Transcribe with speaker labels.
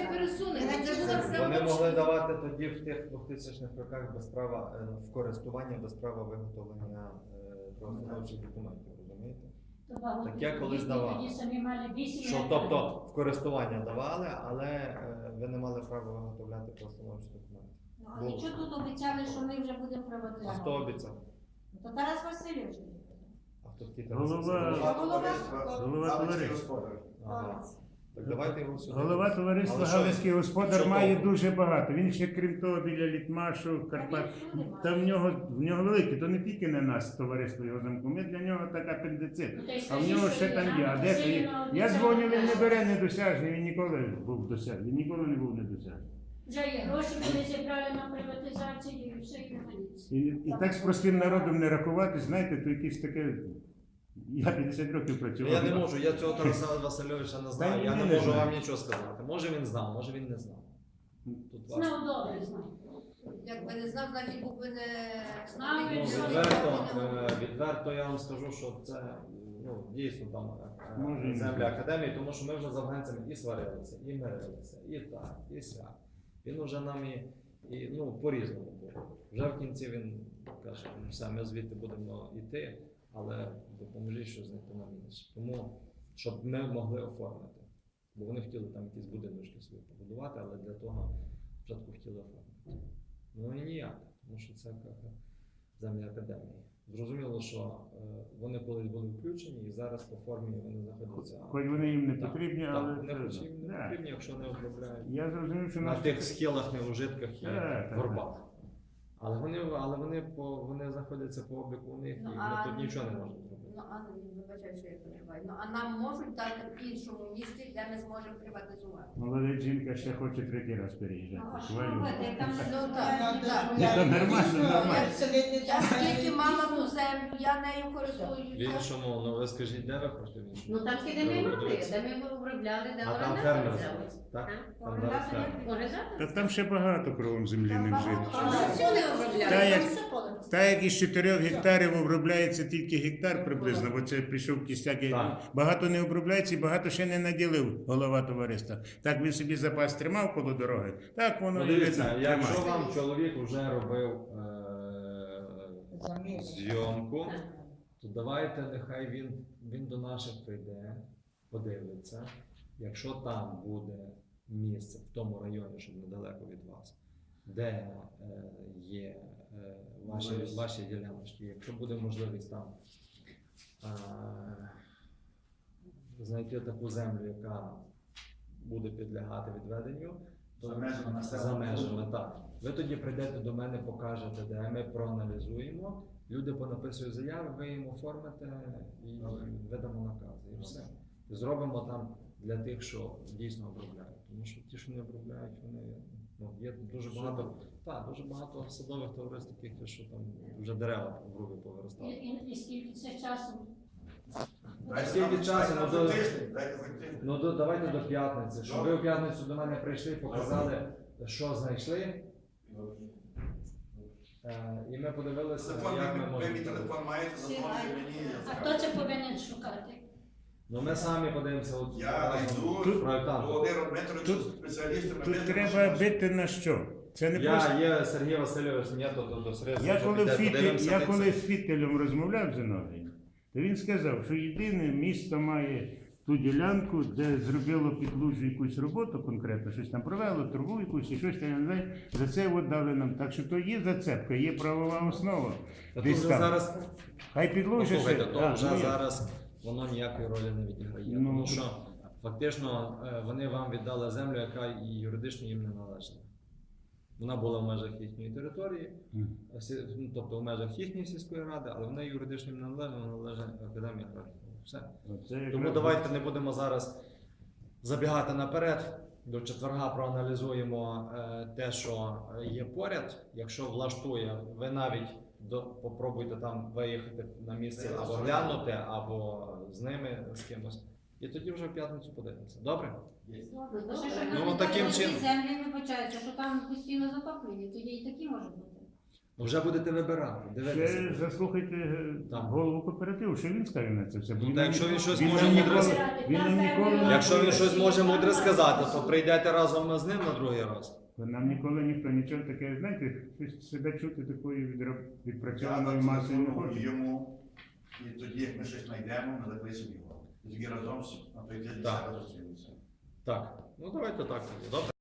Speaker 1: пересунення.
Speaker 2: Вони могли давати тоді в тих 2000-х роках без права в користування, без права виготовлення правоустановчих документів, розумієте? Таке колись давали. Що, тобто в користування давали, але ви не мали права виготовляти правоустановчі документи.
Speaker 3: А нічого тут обіцяли, що ми вже будемо приватизувати.
Speaker 2: Хто обіцяв?
Speaker 3: То Тарас Васильович.
Speaker 2: А хто такий
Speaker 4: Голова товариства.
Speaker 2: Ага. Так давайте його сюди.
Speaker 4: Голова товариства
Speaker 2: Але що-
Speaker 4: Галицький господар
Speaker 2: що
Speaker 4: має
Speaker 2: толку?
Speaker 4: дуже багато. Він ще, крім того, біля Літмашу, Карпат. Та в нього велике, то не тільки на нас товариство його замку. Ми для нього так апендицит. А в нього ще там є. А де ти? Я дзвоню, він не бере недосяжний, він ніколи був досяжний. Він ніколи не був недосяжний.
Speaker 5: Вже є гроші, вони зібрали на приватизацію і все і немає.
Speaker 4: І так з простим народом не рахувати, знаєте, то якесь таке. Я 50 років працював.
Speaker 2: Я не можу, я цього Тараса Васильовича не знаю. Я не
Speaker 4: він не
Speaker 2: можу
Speaker 4: знає.
Speaker 2: вам нічого сказати. Може він знав, може він не знав. Тут важко.
Speaker 5: Знав добре, знав.
Speaker 1: Якби не знав, значить був би не
Speaker 5: Знав,
Speaker 2: Ну,
Speaker 5: він
Speaker 2: відверто я вам скажу, що це дійсно там
Speaker 4: Може, і не
Speaker 2: земля
Speaker 4: знаю.
Speaker 2: академії, тому що ми вже з афганцями і сварилися, і мирилися, і так, і сяк. Він вже нам і по-різному було. Вже в кінці він каже, все, ми звідти будемо йти, але допоможіть, що знайти нам інше. Тому, щоб ми могли оформити. Бо вони хотіли там якісь будиночки собі побудувати, але для того спочатку хотіли оформити. Ну і ніяк, тому що це земля академії. Зрозуміло, що вони колись були включені і зараз по формі вони знаходяться.
Speaker 4: Хоч вони їм не
Speaker 2: Так,
Speaker 4: потрібні,
Speaker 2: так,
Speaker 4: але
Speaker 2: не
Speaker 4: це-
Speaker 2: хоч їм не
Speaker 4: да.
Speaker 2: потрібні, якщо не обробляють.
Speaker 4: Я зрозумів, що
Speaker 2: На
Speaker 4: наш
Speaker 2: тих схилах, неужитках і
Speaker 4: Так, так,
Speaker 2: горбах. Але вони знаходяться по обліку у них, і
Speaker 1: Ну,
Speaker 2: ми
Speaker 1: а-
Speaker 2: тут нічого не можемо зробити.
Speaker 1: Ну, а вибачаю, що я перебуваю. Ну, а нам можуть дати в іншому місті, де ми зможемо приватизувати.
Speaker 4: молода жінка ще хоче третій раз переїжджати.
Speaker 3: А що
Speaker 4: Хвалю.
Speaker 3: робити? Там
Speaker 1: Ну, так, так.
Speaker 4: Ні, то нормально, нормально.
Speaker 1: Я скільки мала ту землю, я нею
Speaker 2: В
Speaker 1: користуюся.
Speaker 2: іншому, ви скажіть, де ви хочете в іншому?
Speaker 6: Ну там де ми мали, де ми обробляли, де
Speaker 2: А там
Speaker 6: орендар
Speaker 2: фермер
Speaker 6: взяли.
Speaker 2: зараз, так? Там
Speaker 3: Орендар
Speaker 2: зараз
Speaker 3: не
Speaker 2: фермер.
Speaker 6: Орендар?
Speaker 4: Та там ще багато кругом землі не вжито.
Speaker 6: Там все не обробляли.
Speaker 4: Та як, та як із 4 гектарів обробляється тільки гектар приблизно, бо це прийшов кістяк.
Speaker 2: Так.
Speaker 4: Багато не обробляється і багато ще не наділив голова товариства. Так він собі запас тримав коло дороги, так воно
Speaker 2: Ну,
Speaker 4: і
Speaker 2: дивіться,
Speaker 4: видно,
Speaker 2: якщо
Speaker 4: тримає.
Speaker 2: вам чоловік вже робив зйомку, то давайте нехай він до наших прийде, подивиться. Якщо там буде місце в тому районі, щоб недалеко від вас, де є ваші діляночки, якщо буде можливість там знайти таку землю, яка буде підлягати відведенню, то за межами, так. Ви тоді прийдете до мене, покажете, де ми проаналізуємо, люди понаписують заяви, ви їм оформите і видамо накази. І все. І зробимо там для тих, що дійсно обробляють. Тому що ті, що не обробляють, є дуже багато садових товариств таких, що там вже дерева в грубі повиростали.
Speaker 5: І скільки це часу?
Speaker 2: Скільки часу? Давайте до п'ятниці. Щоб ви в п'ятницю до мене прийшли, показали, що знайшли. І ми подивилися, як ми можемо.
Speaker 7: телефон маєте, зазвоните мені.
Speaker 5: А хто це повинен шукати?
Speaker 2: Ну ми самі подивимося.
Speaker 7: Я найду
Speaker 4: Тут-
Speaker 7: Володимир Дмитрович, спеціалістами.
Speaker 4: Тут треба бити на що? Це не просто.
Speaker 2: Є Сергій Васильович, ні, до Сергія
Speaker 4: Я коли
Speaker 2: Васильовича.
Speaker 4: з Фітелем розмовляв з Зиновієм, то він сказав, що єдине місто має ту ділянку, де зробило під лужу якусь роботу конкретно, щось там провело, трубу якусь і щось там, я не знаю, за це от дали нам. Так що то є зацепка, є правова основа.
Speaker 2: Тут
Speaker 4: Десь
Speaker 2: вже
Speaker 4: там.
Speaker 2: зараз,
Speaker 4: Хай підлужить.
Speaker 2: послухайте, то вже
Speaker 4: ну,
Speaker 2: зараз воно ніякої ролі не відіграє.
Speaker 4: Ну,
Speaker 2: Тому що фактично вони вам віддали землю, яка і юридично їм не належала. Вона була в межах їхньої території, тобто в межах їхньої сільської ради, але вона юридично їм не належала, вона належить Академії аграрних наук. Все. Тому давайте не будемо зараз забігати наперед. До четверга проаналізуємо те, що є поряд. Якщо влаштує, ви навіть попробуйте там виїхати на місце або глянути, або з ними з кимось. І тоді вже в п'ятницю подивимося. Добре?
Speaker 3: Ну,
Speaker 2: таким чином.
Speaker 3: Землі вибачаються, що там постійно затоплення, тоді і такі може бути.
Speaker 2: Вже будете вибирати,
Speaker 4: Ще
Speaker 2: дивитися.
Speaker 4: заслухайте
Speaker 2: Так.
Speaker 4: голову кооперативу, що він скаже на це все.
Speaker 2: Ну, та якщо він щось
Speaker 4: він
Speaker 2: може
Speaker 4: нам
Speaker 2: мудре
Speaker 4: ніколи- він нам ніколи не
Speaker 2: Якщо він щось може
Speaker 5: Там
Speaker 2: мудре
Speaker 5: бачите,
Speaker 2: сказати,
Speaker 5: там
Speaker 2: то
Speaker 5: бачите.
Speaker 2: прийдете разом з ним на другий раз.
Speaker 4: Нам ніколи ніхто нічого таке, знаєте, щось себе чути такою
Speaker 7: Я
Speaker 4: відпрацьованою масою не
Speaker 7: зателефоную
Speaker 4: хоче.
Speaker 7: йому, і тоді, як ми щось знайдемо, ми закличемо його. І тоді разом на той тиждень
Speaker 2: Так.
Speaker 7: зараз зустрінемося.
Speaker 2: Так, ну давайте так тоді. Добре.